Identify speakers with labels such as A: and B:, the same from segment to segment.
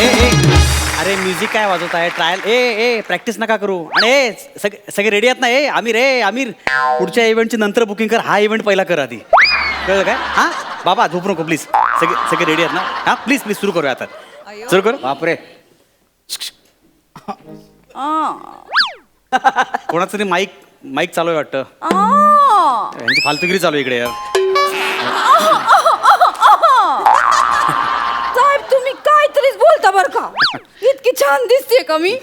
A: ए अरे म्युझिक काय वाजवत आहे ट्रायल ए प्रॅक्टिस नका करू आणि सगळे रेडी आहेत ना आमिर पुढच्या इव्हेंटची नंतर बुकिंग कर हा इव्हेंट पहिला कर आधी कळलं काय हां बाबा झोपू नको प्लीज सगळे रेडी आहेत ना हां प्लीज सुरू करूया आता सुरू करू बापरे कोणाचं तरी माईक चालू आहे वाटतं यांची फालतुगिरी चालू आहे इकडे यार
B: साहेब तुम्ही काहीतरीच बोलता बर का इतकी छान दिसते का मी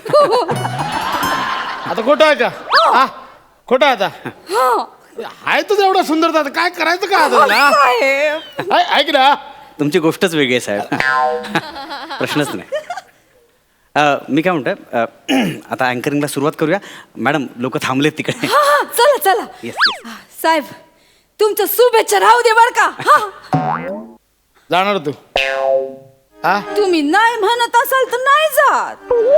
C: आता खोटं आहे का हा खोटं आहे आता आहे तुझं एवढं सुंदर आता काय करायचं का आता
B: साहेब
C: ऐक ना
A: तुमची गोष्टच वेगळी आहे साहेब प्रश्नच नाही मी काय म्हणतोय आता अँकरिंगला सुरुवात करूया मॅडम लोक थांबलेत तिकडे
B: चला चला
A: येस
B: साहेब तुमच्या शुभेच्छा राहू दे बर का
C: जाणार तू हा
B: तुम्ही नाही म्हणत असाल तर नाही जात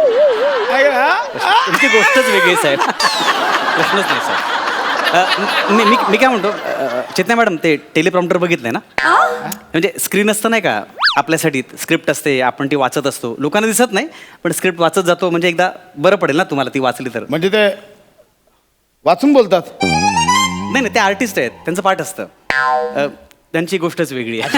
A: तुमची गोष्टच वेगळी आहे साहेब प्रश्नच नाही साहेब मी काय म्हणतो चेतना मॅडम ते टेलिप्रॉम्प्टर बघितलंय ना म्हणजे स्क्रीन असतं नाही का आपल्यासाठी स्क्रिप्ट असते आपण ती वाचत असतो लोकांना दिसत नाही पण स्क्रिप्ट वाचत जातो म्हणजे एकदा बरं पडेल ना तुम्हाला ती वाचली तर
C: म्हणजे ते वाचून बोलतात
A: नाही ते आर्टिस्ट आहेत त्यांचं पाठ असतं त्यांची गोष्टच वेगळी आहे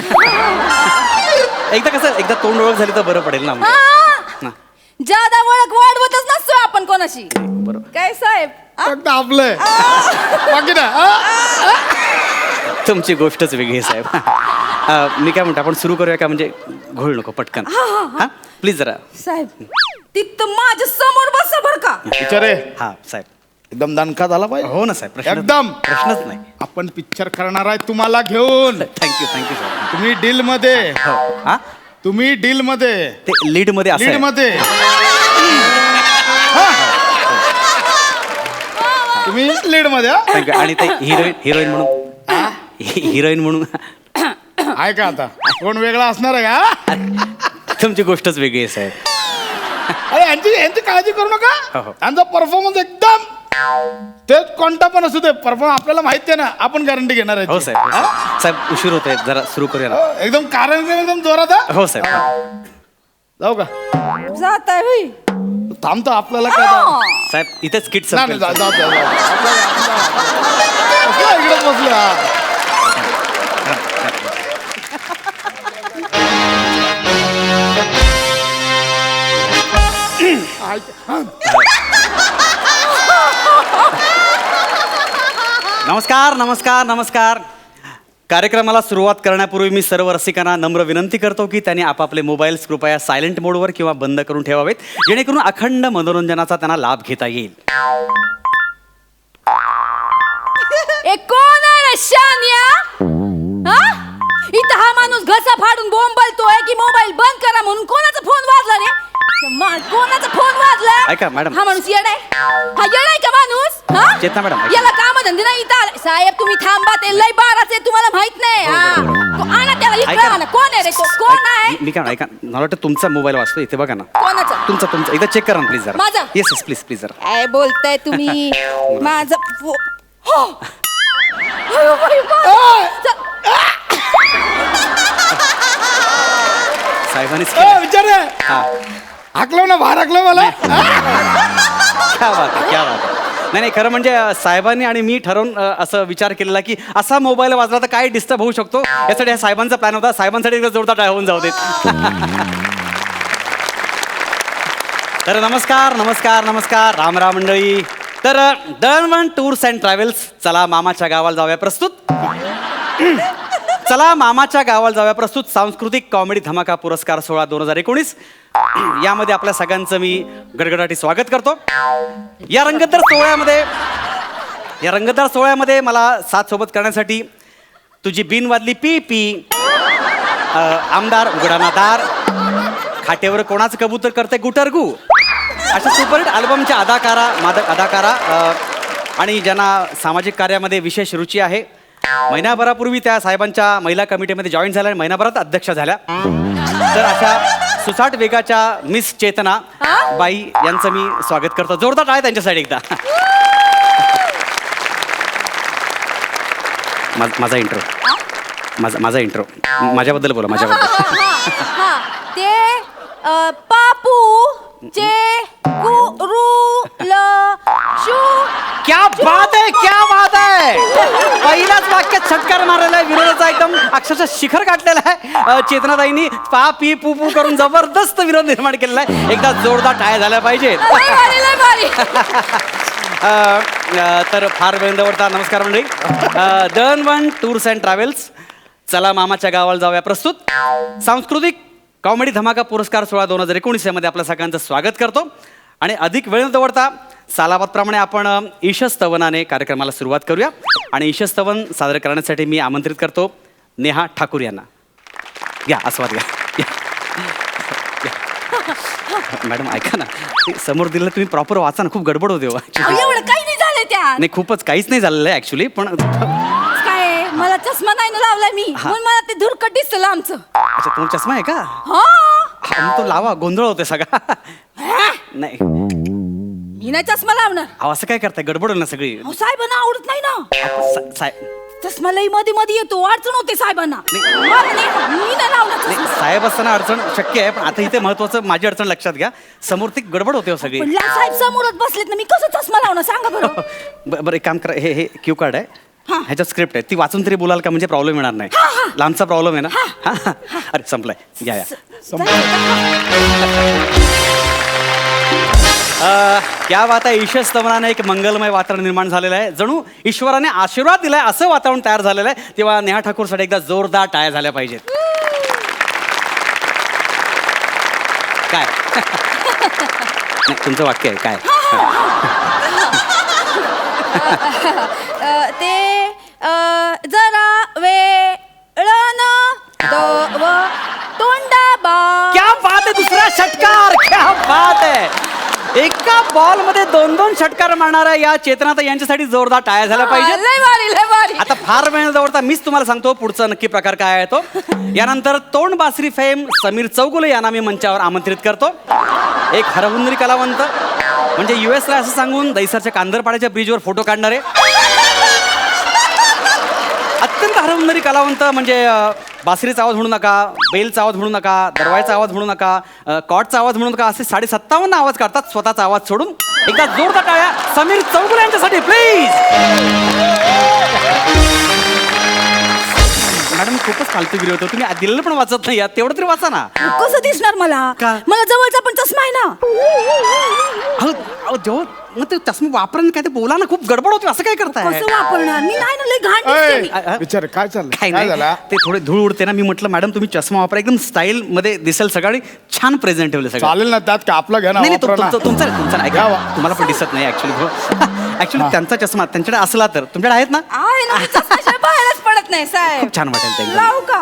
A: एकदा तोंड ओळख झाली तर बरं पडेल ना
B: जादा ओळख वाढवतच नसतो आपण कोणाशी
A: बरोबर
B: काय साहेब
C: आपलंय बाकी ना
A: तुमची गोष्टच वेगळी आहे साहेब मी काय म्हणतो आपण सुरू करूया का म्हणजे घोळ नको पटकन हा प्लीज जरा
B: साहेब तिथं माझ्या समोर बसा बर का
C: विचारे
A: हा साहेब
C: एकदम दणका झाला पाहिजे
A: हो ना साहेब
C: एकदम
A: प्रश्नच नाही
C: आपण पिक्चर करणार आहे तुम्हाला घेऊन
A: थँक्यू साहेब
C: तुम्ही डील मध्ये
A: हो हा
C: तुम्ही डील मध्ये
A: ते लीड मध्ये असं
C: लीड
A: आहे.
C: मध्ये तुम्ही लीड मध्ये
A: Thank you. आणि ते हिरोईन म्हणून
C: आहे का आता कोण वेगळा असणार आहे का
A: तुमची गोष्टच वेगळी आहे साहेब
C: अरे यांची काळजी करू
A: हो,
C: नका
A: हो.
C: यांचा परफॉर्मन्स एकदम ते कोणता पण असू दे परफॉर्मन्स आपल्याला माहिती आहे ना आपण गॅरंटी घेणार आहे
A: हो साहेब साहेब उशीर होत आहे जरा सुरू करूया ना
C: एकदम कारण एकदम जोरात हा?
A: हो साहेब
C: जाऊ का
B: जात आहे होई
C: थांबतो आपल्याला काय जाऊ?
A: साहेब इथेच किट
C: नाही, नाही, जाऊ, जाऊ, जाऊ, जाऊ. आपल्याला इकडेच बसलो हा.
A: नमस्कार कार्यक्रमाला सुरुवात करण्यापूर्वी मी सर्व रसिकांना नम्र विनंती करतो की त्यांनी आपापले मोबाईल्स कृपया सायलेंट मोडवर किंवा बंद करून ठेवावेत जेणेकरून अखंड मनोरंजनाचा त्यांना लाभ घेता येईल
B: कोण आहे रे शान्या इथं हा माणूस घसा फाडून बोंबलतोय की मोबाईल बंद करा म्हणून कोणाचा फोन वाजला रे कोणाचा फोन वाजला
A: ऐका मॅडम
B: हा माणूस येडाय हा येडाय का माणूस
A: चेतना मॅडम
B: याला काम धंदे नाही इथं साहेब तुम्ही थांबा ते लय बाराचे तुम्हाला माहित नाही आणा त्याला इकडे आणा कोण आहे रे तो कोण आहे
A: मी काय ऐका मला वाटतं तुमचा मोबाईल वाचतो इथे बघा ना
B: कोणाचा
A: तुमचा एकदा चेक करा ना प्लीज जरा
B: माझा?
A: येस प्लीज जरा
B: काय बोलताय तुम्ही माझं
A: साहेबांनीच
C: विचार हाकलो ना बाहेर हाकलो मला
A: क्या बात आहे नाही खरं म्हणजे साहेबांनी आणि मी ठरवून असं विचार केलेला की असा मोबाईल वाजला तर काय डिस्टर्ब होऊ शकतो यासाठी हा साहेबांचा प्लॅन होता साहेबांसाठी जोरदार टाळ्या होऊन जाऊ देत तर नमस्कार राम मंडळी तर दळणवळण टूर्स अँड ट्रॅव्हल्स चला मामाच्या गावाला जाऊया प्रस्तुत सांस्कृतिक कॉमेडी धमाका पुरस्कार सोहळा 2019 यामध्ये आपल्या सगळ्यांचं मी गडगडाटी स्वागत करतो या रंगतदार सोहळ्यामध्ये मला साथ सोबत करण्यासाठी तुझी बिन वाजली पी पी आमदार उघडाना दार खाटेवर कोणाचं कबूतर करते गुटरगू अशा सुपरहिट अल्बमच्या अदाकारा आणि ज्यांना सामाजिक कार्यामध्ये विशेष रुची आहे महिनाभरापूर्वी त्या साहेबांच्या महिला कमिटीमध्ये जॉईन झाल्या आणि महिनाभरात अध्यक्ष झाल्या तर अशा सुसाट वेगाच्या मिस चेतना बाई यांचं मी स्वागत करतो जोरदार टाळ्या त्यांच्यासाठी एकदा माझा इंट्रो माझा इंट्रो माझ्याबद्दल बोला माझ्याबद्दल
B: ते पापू चे गुरु शू.
A: क्या बात आहे, क्या बात आहे. पहिल्याच वाक्यात षटकार मारलेला आहे, विरोधाचा एकदम अक्षरशः शिखर गाठलेला आहे. चेतनाताईंनी पा पी पू पू करून जबरदस्त विरोध निर्माण केलेला आहे. एकदा जोरदार टाळ्या झाल्या पाहिजेत.
B: लय भारी, लय भारी.
A: तर फार वेळेवरता नमस्कार मंडळी. दळणवळण टूर्स अँड ट्रॅव्हल्स, चला मामाच्या गावाला जाऊया प्रस्तुत सांस्कृतिक कॉमेडी धमाका पुरस्कार सोहळा 2019 मध्ये आपल्या सगळ्यांचं स्वागत करतो. आणि अधिक वेळ न दवडता सालाबादप्रमाणे आपण ईशस्तवनाने कार्यक्रमाला सुरुवात करूया. आणि ईशस्तवन सादर करण्यासाठी मी आमंत्रित करतो नेहा ठाकूर यांना. या आस्वाद घ्या. मॅडम ऐका ना, ते समोर दिलं तुम्ही प्रॉपर वाचा ना, खूप गडबड होते हो.
B: एवढं काही नाही झालं त्या.
A: नाही, खूपच काहीच नाही झालेलं आहे ऍक्च्युली, पण
B: काय मला चष्मा नाही ना लावलाय मी, म्हणून मला ते धुरकट दिसलं आमचं.
A: अच्छा, तुमचा चष्मा आहे का?
B: हा
A: हा, मग तो लावा, गोंधळ होते सगळा. नाही
B: मी नाही चष्मा लावणार.
A: अहो, असं काय करताय, गडबड होईल ना सगळी.
B: अहो, साहेबांना आवडत नाही ना चष्मा. लई मध्ये मध्ये येतो, अडचण होते साहेबांना. मला नाही, मी नाही लावणार चष्मा.
A: साहेब असताना अडचण शक्य आहे, पण आता इथे महत्वाचं माझी अडचण लक्षात घ्या. समोर ती गडबड होते हो सगळी.
B: पण साहेब समोरच बसलेत ना, मी कसं चष्मा लावणार सांगा बरं.
A: बरं, एक काम करा, हे क्यू कार्ड आहे,
B: हा.
A: ह्याच्यात स्क्रिप्ट आहे, ती वाचून तरी बोलाल का, म्हणजे प्रॉब्लेम येणार नाही. लांबचा प्रॉब्लेम आहे ना. हा. अरे संपलाय, या या. क्या बात आहे. ईशस्तवनाने एक मंगलमय वातावरण निर्माण झालेलं आहे, जणू ईश्वराने आशीर्वाद दिलाय असं वातावरण तयार झालेलं आहे. तेव्हा नेहा ठाकूरसाठी एकदा जोरदार टाळ्या झाल्या पाहिजेत. काय नाही, तुमचं वाक्य आहे काय?
B: ते जरा वेळन तोंडाबा.
A: क्या बात आहे, दुसरा षटकार. क्या बात आहे. एका बॉल मध्ये 2-2 षटकार मारणाऱ्या या चेतनाताई यांच्यासाठी जोरदार टाळ्या झाल्या पाहिजेत.
B: लय भारी, लय भारी.
A: आता फार वेळ जवळता मीच तुम्हाला सांगतो पुढचा नक्की प्रकार काय आहे तो. यानंतर तोंड बासरी फेम समीर चौगुले यांना मी मंचावर आमंत्रित करतो. एक हरहुन्नरी कलावंत, म्हणजे US ला असं सांगून दैसरच्या कांदरपाड्याच्या ब्रिजवर फोटो काढणारे अत्यंत हरहुन्नरी कलावंत, म्हणजे बासरीचा आवाज म्हणू नका, बेलचा आवाज म्हणू नका, दरवाजाचा आवाज म्हणू नका, कॉटचा आवाज म्हणू नका, असे 57.5 आवाज काढतात स्वतःचा आवाज सोडून. एकदा जोरदार टाळ्या समीर चौगुले यांच्यासाठी प्लीज. मॅडम खूपच फालतूगिरी होतो, तुम्ही दिलेलं पण वाचत नाही, तेवढं तरी वाचा ना.
B: कसं दिसणार मला?
A: का? मला
B: जवळचा पण चष्मा आहे ना.
A: अहो जेव्हा मग ते चष्मा वापरून काय ते बोला ना, खूप गडबड होती, असं काय करताय?
B: कसं वापरणार मी? नाही ना, लय घाण दिसते मी.
C: विचार काय चाललं,
A: काय
C: काय
A: नाही,
C: झाला?
A: ते थोडे धूळ उडते ना, मी म्हटलं मॅडम तुम्ही चष्मा वापरा, एकदम स्टाईल मध्ये दिसेल सगळं, छान प्रेझेंट ठेवले सगळं.
C: चालेल ना, त्यात का आपला घ्या ना,
A: नाही नाही,
C: वापरा ना.
A: तुमचा नाही,
C: घ्या वा.
A: तुम्हाला पण दिसत नाही ऍक्च्युली त्यांचा चष्मा त्यांच्याकडे असला तर तुमच्याकडे आहेत ना.
B: आहे ना, मी चष्म्याशिवाय बाहेरच पडत नाही साहेब.
A: खूप छान वाटेल ते एकदम.
B: लावू का?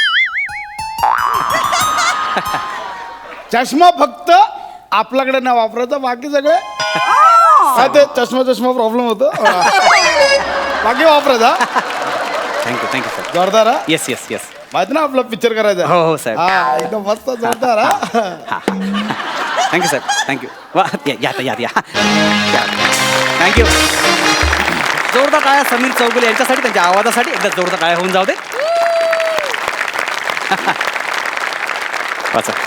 C: चष्मा फक्त आपल्याकडे ना वापरायचा, बाकी सगळे काय ते चष्मा प्रॉब्लेम होतो. बाकी वापरायचा.
A: Thank you sir.
C: जोरदार हा.
A: Yes yes yes.
C: माहिती ना आपला पिक्चर करायचा.
A: हो, हो, साहेब.
C: हा, एकदम मस्त जोरदार हा.
A: Thank you sir, thank you. वा या थँक्यू. जोरदार टाळ्या समीर चौगुले यांच्यासाठी, त्यांच्या आवाजासाठी एकदा जोरदार टाळ्या होऊन जाऊ दे. वाचा.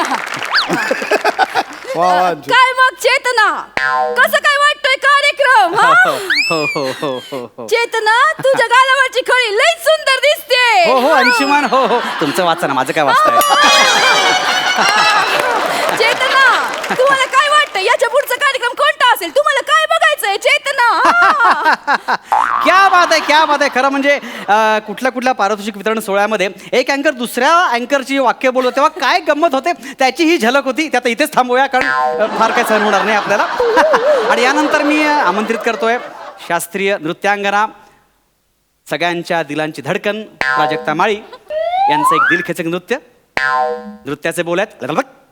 C: वा, वा.
B: काय मग चेतना, कसं काय वाटतोय कार्यक्रम? हा?
A: हो.
B: चेतना, तुझ्या गालावरची खळी लई सुंदर दिसते.
A: हो अंशुमान. हो तुमचं वाचा ना, माझं काय वाचताय?
B: चेतना, तुम्हाला काय वाटतं याच्या पुढचा कार्यक्रम कोणता असेल? तुम्हाला काय बघायचंय चेतना?
A: क्या बात आहे. खरं म्हणजे कुठल्या पारितोषिक वितरण सोहळ्यामध्ये एक अँकर दुसऱ्या अँकरची वाक्य बोलतो तेव्हा काय गंमत होते त्याची ही झलक होती. त्यात इथेच थांबूया, कारण फार काय सहन होणार नाही आपल्याला. आणि यानंतर मी आमंत्रित करतोय शास्त्रीय नृत्यांगना, सगळ्यांच्या दिलांची धडकन प्राजक्ता माळी यांचं एक दिलखेचक नृत्याचे बोल आहेत.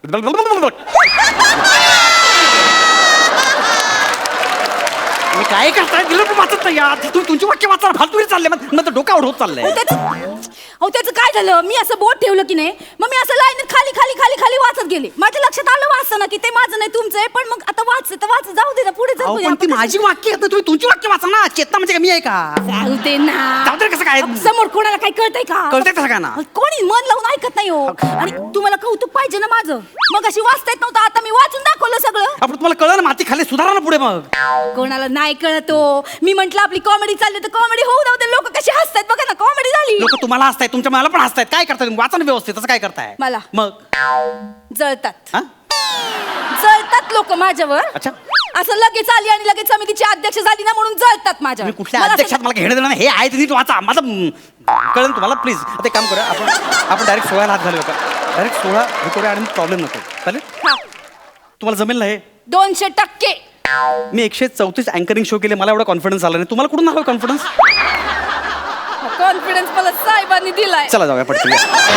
A: मी काय करताय दिलं पण वाचत नाही यार. तुमची वाक्य वाचा, फालतूगिरी चालले, मग डोका होत चाललंय.
B: अहो त्याचं काय झालं, मी असं बोट ठेवलं की नाही, मग मी असं लाईनीत खाली खाली खाली खाली वाचत गेले. माझ्या लक्षात आलं वाचताना की ते माझं नाही तुमचं आहे, पण मग आता वाचत वाचत जाऊ दे ना, पुढे
A: अहो,
B: जाऊ
A: पण ती माझी वाक्य आहेत ना, तुम्ही तुमची वाक्य वाचा ना. चेतना म्हणजे कमी आहे का?
B: जाऊ दे ना.
A: जाऊ दे कसं काय?
B: समोर कोणाला काही कळतंय का?
A: कळतंय का सगळ्यांना?
B: कोणी मन लावून ऐकत नाही हो. आणि तुम्हाला कौतुक पाहिजे ना माझं. मग अशी वाचता येत नव्हतं, आता मी वाचून दाखवलं सगळं.
A: आपण तुम्हाला कळलं ना, माती खाली सुधारा ना पुढे मग.
B: कोणाला नाही कळत हो. मी म्हंटल आपली कॉमेडी चालली तर कॉमेडी होऊ नव्हते. लोक कशी हसतायत बघा ना, कॉमेडी झाली.
A: लोक तुम्हाला हसतायत, तुमच्या मला पण हसतायत. काय करताय तुम्ही? वाचा ना व्यवस्थित. असं काय करताय
B: मला
A: मग?
B: जळतात
A: हा?
B: जळतात लोक माझ्यावर.
A: अच्छा.
B: असं लगेच आली आणि लगेच समितीची अध्यक्ष झाली ना म्हणून जळतात माझ्यावर.
A: तुम्ही कुठल्या
B: मला
A: अध्यक्षात
B: असं-
A: मला घेणं देणं नाही. हे आहे ते नीट वाचा. माझं कळलं तुम्हाला. प्लीज आता एक काम करूया, आपण डायरेक्ट 16 हात घालूया का? डायरेक्ट 16 हे करूया आणि प्रॉब्लेम नको. चालेल?
B: हा,
A: तुम्हाला जमेल ना हे?
B: 200%.
A: मी 134 अँकरिंग शो केले, मला एवढा कॉन्फिडन्स आला नाही. तुम्हाला कुठून आला कॉन्फिडन्स?
B: कॉन्फिडन्स मला साहेबांनी दिलाय.
A: चला जाऊया पटकन.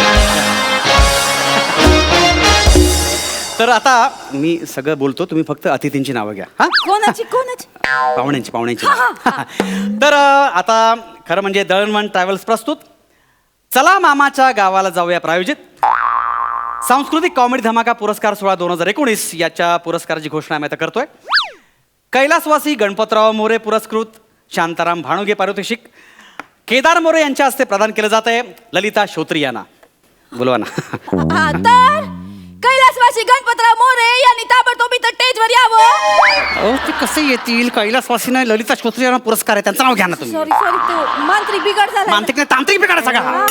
A: तर आता मी सगळं बोलतो, तुम्ही फक्त अतिथींची नावं घ्या. हा?
B: कोणाची कोणाची?
A: पाहुण्यांची.
B: हा, हा,
A: तर आता खरं म्हणजे दळणवळण ट्रॅव्हल्स प्रस्तुत चला मामाच्या गावाला जाऊया प्रायोजित सांस्कृतिक कॉमेडी धमाका पुरस्कार सोहळा 2019 याच्या पुरस्काराची घोषणा आम्ही आता करतोय. कैलासवासी गणपतराव मोरे पुरस्कृत शांताराम भाणुगे पारितोषिक केदार मोरे यांच्या हस्ते प्रदान केलं जात आहे. ललिता श्रोत्री यांना बोलवा ना.
B: हा, तर कैलासवासी गणपतराव मोरे यांनी ताबडतोब इथं स्टेजवर यावं.
A: अहो ते कसे येतील? कैलासवासीने ललिता श्रोत्री यांना पुरस्कार आहे, त्यांचं नाव घ्या ना तुम्ही.
B: सॉरी सॉरी, तो मांत्रिक बिघड झाला.
A: मानसिक नाही, तांत्रिक बिघाड आहे सगळा.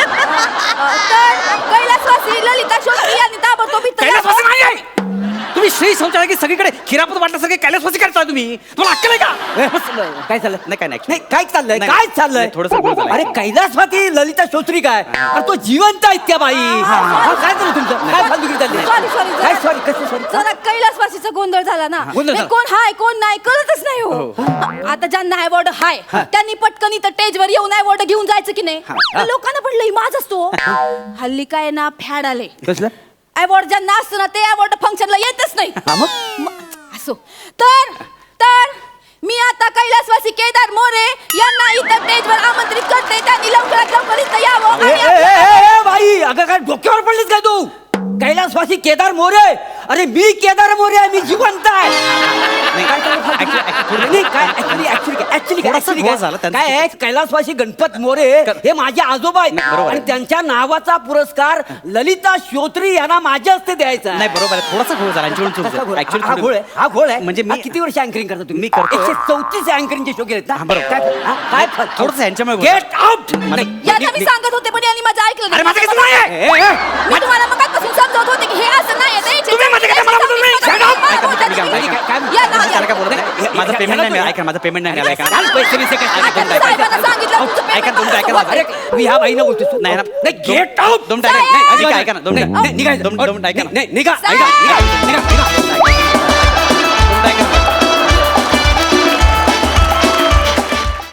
B: तर कैलासवासी ललिता श्रोत्री यांनी ताबडतोब इथं
A: कैलासवासी
B: यावं.
A: नाही आहे. तुम्ही श्री शौचालय की सगळीकडे खिरापत वाटलं सगळे कैलासवासी करताय तुम्ही. तुम्हाला अक्कल आहे का?
D: काय झालं?
A: नाही काय नाही
D: नाही काय चाललंय?
A: नाही,
D: काय चाललंय?
A: नाही, थोडंसं गोड झालंय.
D: अरे कैलासवासी ललिता श्रोत्री काय? अरे तो जिवंत आहेत त्या बाई. काय झालं तुमचं? काय फालतुगिरी चालली?
B: सॉरी सॉरी,
D: काय सॉरी? कसं सॉरी?
B: जरा कैलासवासीचा गोंधळ झाला ना.
D: गोंधळ
B: हे
D: झाला.
B: कोण हाय कोण नाही कळतच नाही हो. आता ज्यांना अवॉर्ड हाय त्यांनी पटकन इथं स्टेजवर येऊन अवॉर्ड घेऊन जायचं की नाही. तर लोकांना पण लई माज असतो. हल्ली काय ना फॅड आले.
D: कसलं?
B: अवॉर्ड ज्यांना असतं ना ते अवॉर्ड फंक्शनला येतच नाही.
D: हा मग?
B: असो तर तर मी आता कैलासवासी केदार मोरे यांना इथं स्टेजवर आमंत्रित करते. त्यांनी लवकरात लवकर इथं यावं
D: ए,
B: आणि
D: ए, ए, ए, बाई अगं काय डोक्यावर पडलीस काय तू? कैलासवासी केदार मोरे. अरे मी केदार मोरे आहे, मी जिवंत आहे. काय चाललं? नाही, काय ऍक्च्युली
A: थोडासा घोळ झाला त्यांचा.
D: काय आहे, कैलासवासी गणपत मोरे हे माझे आजोबा आहेत
A: नाही, बरोबर आहे.
D: आणि त्यांच्या नावाचा पुरस्कार ललिता श्रोत्री यांना माझ्या हस्ते द्यायचा आहे.
A: नाही बरोबर आहे, थोडासा घोळ झाला. यांच्याकडून चूक
D: कसा
A: झाली.
D: घोळ?
A: Actually
D: हा घोळ आहे, हा घोळ आहे.
A: म्हणजे
D: हा
A: मी
D: किती वर्ष अँकरिंग करता तुम्ही?
A: मी करतो.
D: 134 अँकरिंगचे शो केलेत ना?
A: हा, बरोबर.
D: काय
A: थोडंसं यांच्यामुळे घोळ
D: गेट आउट.
B: यांना मी सांगत होते पण यांनी माझं ऐकलं
A: अरे माझं
B: नाही.
A: काही नाही आहे.
B: मी तुम्हाला मगाचपासून समजावत होते की हे असं नाही आहे.
A: तुम्ही माझं काय मला बोलू नाही. Shut up.
B: मला
A: ऐका,
B: बोलतात
A: मी काय
B: तुम्ही.
A: म्हणतो,
B: या ना,
A: त्याला काय बोलत
B: या.
A: नाही. माझं पेमेंट नाही मिळालं. ऐका माझं पेमेंट नाही मिळालं. ऐका
D: पैसे बिसे काय?
B: आता साहेबांना सांगितलं तुमचं payment
A: ऐका, तुमचं ऐका
B: कसं
A: ना.
B: होतंय.
D: अरे मी ह्या बाईनं बोलतोय.
A: नाही ना.
D: Get out.
A: दोन टाका.
B: साहेब!
A: ऐका ना. दोन
D: निघा.
A: दोन ऐका ना.
D: निघा.